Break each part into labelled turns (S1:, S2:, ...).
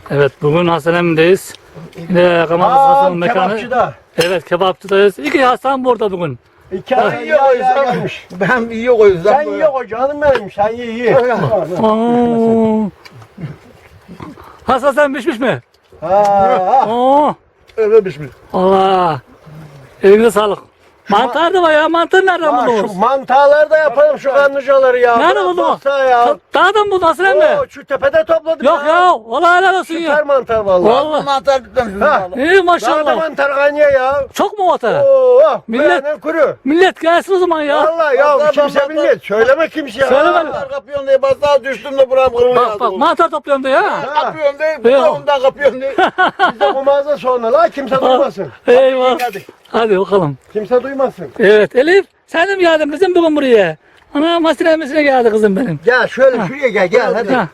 S1: Evet, bugün Hasan Emmi'deyiz. Yine Ramazan Hasan'ın mekanı.
S2: Kebapçıda.
S1: Evet, kebapçıdayız. İki Hasan burada bugün.
S2: İki ay iyi o yüzden.
S3: Ben iyi o yüzden.
S2: Sen iyi o canım benim. Sen iyi.
S1: Oo. Hasan sen pişmiş mi?
S2: Ha.
S1: Oo.
S3: Öyle pişmiş.
S1: Allah. Eline sağlık. Mantar da var ya. Mantar nereden
S2: Ha,
S1: buldunuz?
S2: şu mantarları da yapalım şu kanlıcaları ya.
S1: Nerede
S2: Bırak
S1: buldun?
S2: yoksa ya.
S1: Dağdan buldun Hasan Emmi.
S2: Oo, şu tepede topladım
S1: Yok ya. Vallahi helal olsun
S2: Süper
S1: ya.
S2: mantar vallahi.
S1: Vallahi.
S3: Mantar bitmemiş.
S2: Ha.
S1: İyi
S2: Dağda
S1: maşallah.
S2: mantar kaynıyor ya.
S1: Çok mu vata?
S2: Oo,
S1: Millet-
S2: millet kuru.
S1: Millet gelsin o zaman ya.
S2: Vallahi ya
S3: Mantar,
S2: kimse
S3: mantar.
S2: bilmez. Söyleme kimseye.
S1: Söyleme.
S3: Mantar kapıyorsun diye basağa düştüm de buram kırılıyor.
S1: Bak mantar topluyorum da ya.
S3: Kapıyorsun diye,
S1: Yok.
S3: ondan kapıyorsun diye.
S2: Bizde bu mağaza sonra la kimse duymasın.
S1: Eyvah.
S3: Hadi.
S1: Hadi bakalım.
S2: Kimse duymasın.
S1: Evet Elif sen de mi geldin kızım bugün buraya? Anam hasine emmisine geldi kızım benim.
S2: Gel şöyle şuraya gel hadi.
S1: Ha.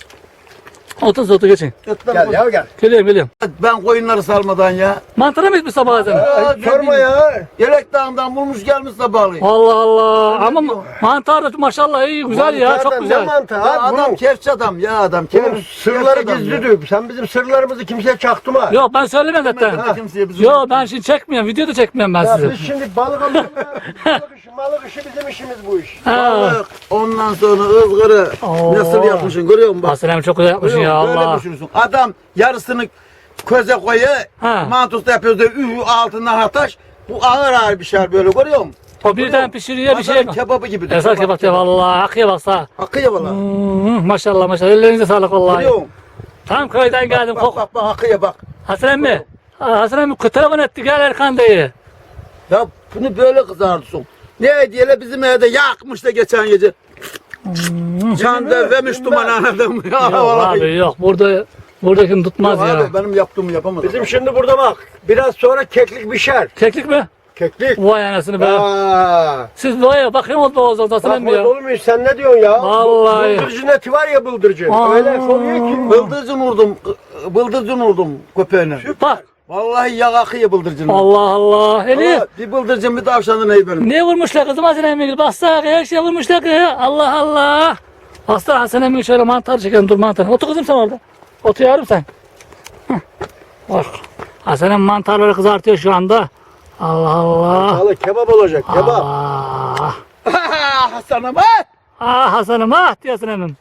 S1: Otur geçin.
S2: Gel ya gel.
S1: Geliyorum.
S3: Ben koyunları salmadan ya.
S1: Mantara mı etmiş sabah sen?
S3: Aa,
S2: Sorma ya.
S3: Yelek dağından bulmuş gelmiş sabahleyin.
S1: Allah Allah. Ama mantar da maşallah iyi güzel ya çok
S2: Mantardan
S1: güzel.
S2: Ne mantar?
S3: Ya
S2: Ha,
S3: adam
S2: bunun
S3: kefçi adam ya adam.
S2: bunun sırları
S3: adam ya.
S2: gizlidir. Sen bizim sırlarımızı kimseye çaktırma.
S1: Yok ben söylemem zaten.
S3: Kimse kimseye bizim.
S1: Yok ben şimdi çekmiyorum. Video da çekmiyorum ben
S2: Ya
S1: sizi.
S2: biz şimdi balık alıyoruz. Balık işi bizim işimiz bu iş.
S1: Ha.
S3: Balık, ondan sonra ızgırı
S1: Oo.
S3: nasıl yapmışsın görüyor musun? Bak.
S1: Hasan emmi çok güzel yapmışsın ya
S3: Böyle
S1: Allah.
S3: düşünürsün. Adam yarısını köze koyuyor,
S1: Ha.
S3: mantosta yapıyoruz da altından ataş. Bu ağır bir şey böyle görüyor musun?
S1: O birden pişiriyor bir şey.
S3: Pazarın kebabı gibi.
S1: Esas kebap ya vallahi. Akıya baksa.
S3: Akıyor valla.
S1: Maşallah maşallah. Ellerinize sağlık vallahi.
S3: Görüyor musun?
S1: Tam köyden geldim.
S3: Bak bak bak akıyor bak.
S1: Hasan emmi. Hasan emmi telefon etti gel Erkan dayı.
S3: Ya bunu böyle kızartırsın. Ne diyelim bizim evde yakmış da geçen gece. Çanda vermiş duman anladım ya
S1: Yok
S3: vallahi.
S1: abi yok buradakini tutmaz
S3: Yok
S1: ya.
S3: abi benim yaptığımı yapamadım.
S2: Bizim şimdi burada bak. Biraz sonra keklik pişer.
S1: Keklik mi?
S2: Keklik.
S1: Vay anasını be.
S2: Aa.
S1: Siz vay bakayım oldu Oğuz'dan Hasan emmi
S2: Bakmaz
S1: ya.
S2: olur muyuz? Sen ne diyorsun ya?
S1: Vallahi.
S2: Bıldırcın eti var ya bıldırcın.
S1: Aa.
S2: Öyle soruyor ki.
S3: Bıldırcın vurdum köpeğine.
S1: Bak
S3: Vallahi yağ akıyor bıldırcın.
S1: Allah Allah. Elif.
S3: Bir bıldırcın bir tavşanın neyi benim.
S1: Ne vurmuşlar kızım Hasan emmi? Baksana her şey vurmuşlar ki. Allah Allah. Baksana Hasan emmi şöyle mantar çekelim dur mantar. Otur kızım sen orada. Otur yavrum sen. Hah. Bak. Hasan emmi mantarları kızartıyor şu anda. Allah Allah.
S2: Vallahi kebap olacak kebap.
S1: Allah.
S3: Hasan'ım ha!
S1: Ah Hasan'ım ah diyorsun emmim.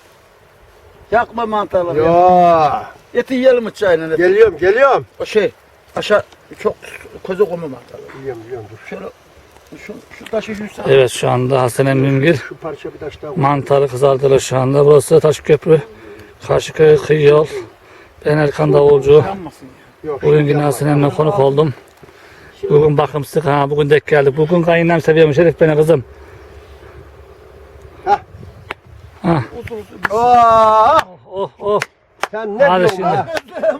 S3: Yakma mantarları. Ya.
S2: Ya.
S3: Eti yiyelim mi çayla? Eti.
S2: Geliyorum.
S3: O şey aşağı çok koza koyma mantarları.
S2: Yiyorum dur.
S3: Şöyle şu taşı yürüsen.
S1: Evet şu anda Hasan emmim bir
S2: Şu parça bir taş daha koy.
S1: mantarı kızartılır şu anda. Burası Taşköprü. Karşıköy kıyı yol. Ben Erkan Davulcu.
S3: Yanmasın ya.
S2: Yok,
S1: Bugün
S2: şimdi
S1: yine
S2: yapma.
S1: Hasan emmimle konuk oldum. Bugün bakımsızlık ha bugün denk geldik. Bugün kayınlam seviyormuş Elif beni kızım.
S2: Aa,
S1: Oh oh.
S2: sen ne
S1: Hadi
S2: diyorsun
S1: şimdi.
S2: ha?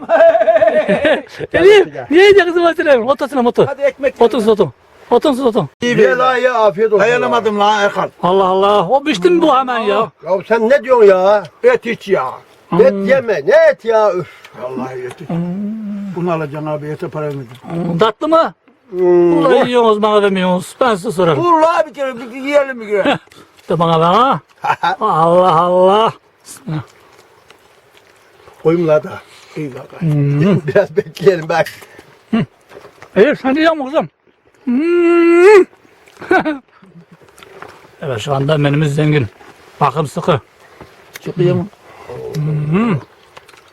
S1: Elif niye yiyecek kızım Hasan emmim? Otursun otur.
S3: Hadi ekmek.
S1: Otursun otur. Otursun otur.
S2: Ye la ye afiyet olsun.
S3: Dayanamadım lan Erkan.
S1: Allah Allah. O pişti mi bu hemen ya?
S2: Ya sen ne diyorsun ya?
S3: Et hiç ya.
S2: Et yeme. Ne et ya? Üf.
S3: Vallahi et. Bunu alacaksın abi ete para vermedim.
S1: Tatlı mı? Vallahi yiyorsunuz bana vermiyorsunuz. Ben size sorarım.
S3: Dur la bir kere bir yiyelim bir kere.
S1: De bana ver ha. Allah Allah.
S2: Koyayım la da.
S3: İyi bak.
S2: Biraz bekleyelim bak.
S1: Elif sen yiyor musun kızım? Evet şu anda menümüz zengin. Bakım sıkı.
S3: Çıkıyor mu?